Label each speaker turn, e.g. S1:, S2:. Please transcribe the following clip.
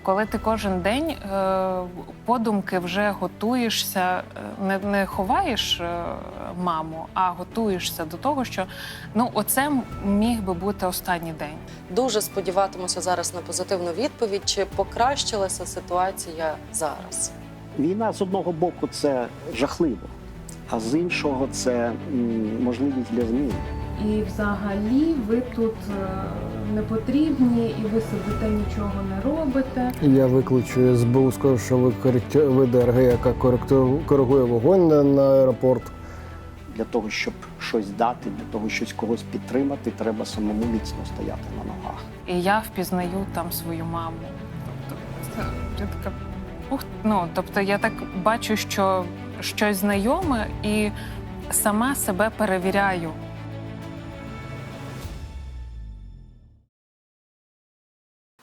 S1: коли ти кожен день подумки вже готуєшся, не ховаєш маму, а готуєшся до того, що оце міг би бути останній день.
S2: Дуже сподіватимуся зараз на позитивну відповідь. Чи покращилася ситуація зараз?
S3: Війна з одного боку це жахливо, а з іншого це можливість для змін.
S4: І взагалі ви тут не потрібні, і ви сидите, нічого не робите.
S5: Я викличу СБУ, скажу, що ви ДРГ, яка коригує вогонь на аеропорт.
S3: Для того, щоб щось дати, для того, щось когось підтримати, треба самому міцно стояти на ногах.
S1: І я впізнаю там свою маму. Тобто, я така, тобто я так бачу, що щось знайоме, і сама себе перевіряю.